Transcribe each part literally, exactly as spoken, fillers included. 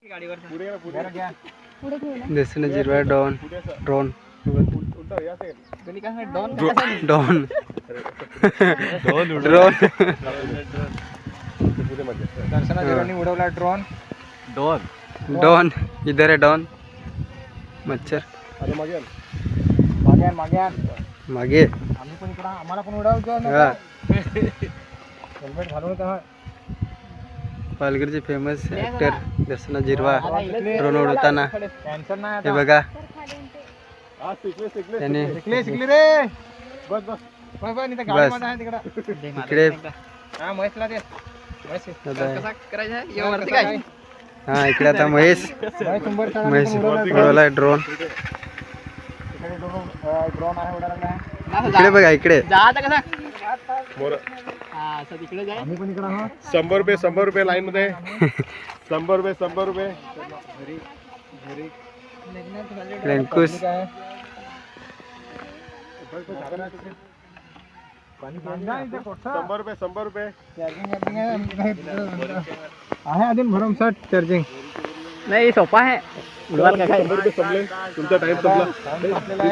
दर्शन Jirwa don drone don drone Darshana जिरवानी उडवला drone don don इधर है डॉन मच्छर मागे मागे मागे मागे आम्ही पण इकडं आम्हाला पण उडवतो ना हेल्मेट घालून का पालघरचे famous actor Darshana Jirwa drone उडवताना हे बघा त्याने शिकले शिकले रे बस बस बस बस इथं गाडी मध्ये आहे तिकडं इकडे हा महेशला दे महेश कसा करायचं आहे एवढं काय हा इकडे आता महेश महेश उडवला ड्रोन ड्रोन आहे उडाला इकडे बघा इकडे आम्ही पण इकडं हा शंभर रुपये शंभर रुपये लाईन मध्ये शंभर रुपये शंभर रुपये अंकुश शंभर रुपये शंभर रुपये आहे अजून भरमसाठ चार्जिंग नाही सोपा आहे शंभर रुपये संपले तुमचा टाइम संपला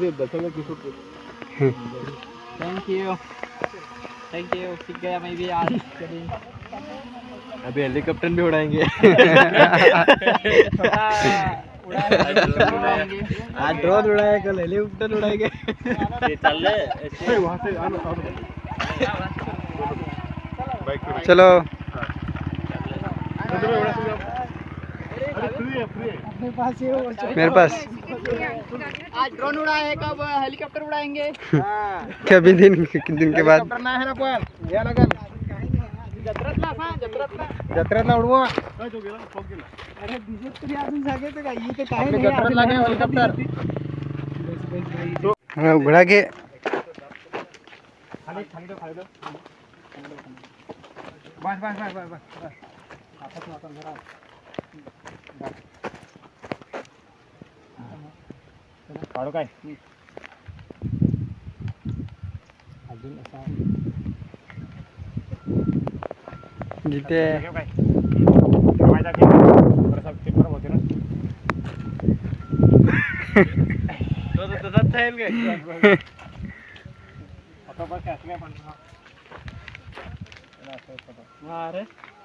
थैंक यू थैंक यू सीख गया मैं भी आज अभी हेलीकॉप्टर भी उड़ाएंगे आज ड्रोन उड़ाए कल हेलीकॉप्टर उड़ाएंगे चलो मेरे पास आज ड्रोन उड़ाए कब हेलीकॉप्टर उड़ाएंगे कभी दिन दिन के बाद करना है ना पण या लगन जत्रातला हा जत्रातला जत्रातला उडवा अरे दिसत तरी अजून सांगायचं का इथे काय नाही जत्रातला काय हेलिकॉप्टर हां उघडा घे खाली खाली दो खाली दो बस बस बस बस बस आता तू आता जरा काढू काय अजून असा जिथे अरे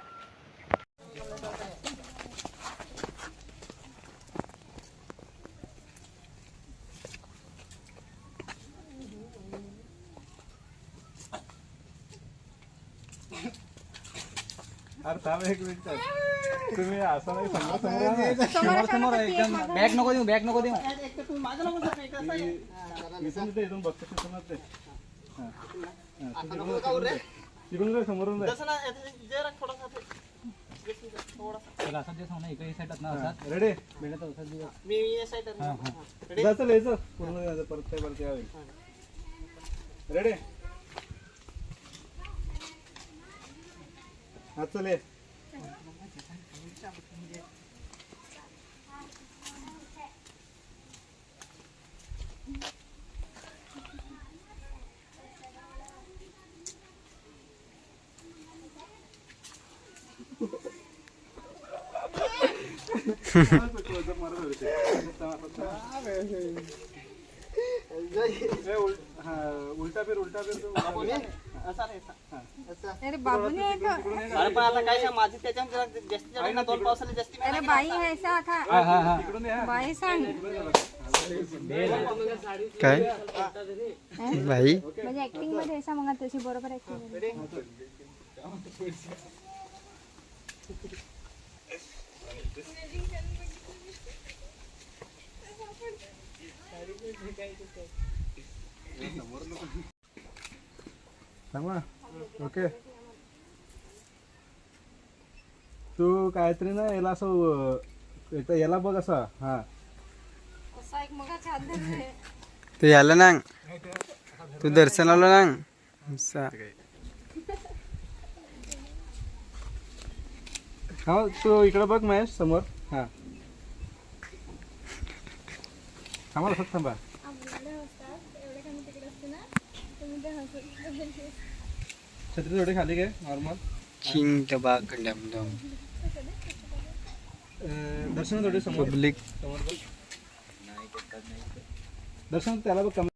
अरे थांब एक मिनिट तुम्ही असं नाही समोर समोर समोर एकदम बॅग नको देऊ बॅग नको देऊ इथून बघतो समजते तिकडून समोरून रेडी पूर्ण परत परत यावे रेडी हा चले उलटा फिर उलटा फिर अरे बाबू ने अरे पण आता काय माझी त्याच्यावर जास्तीत जास्त दोन पावसाला जास्ती अरे बाई ऐसा था बाई सांग काय भाई म्हणजे ऍक्टिंग मध्ये ऐसा मग तशी बरोबर ऍक्टिंग सांगा ओके तू काहीतरी ना याला असं एकदा याला बघ असा हा असा एक मग छान दिसते तू याला ना तू दर्शनाला ना असा हा तू इकडे बघ महेश समोर हा आम्हाला फक्त थांबा छत्री थोडी खाली घे नॉर्मल किंग टबा कंडम दम अं, दर्शन थोडे समोर पब्लिक समोर बघ. दर्शन त्याला बघ कमी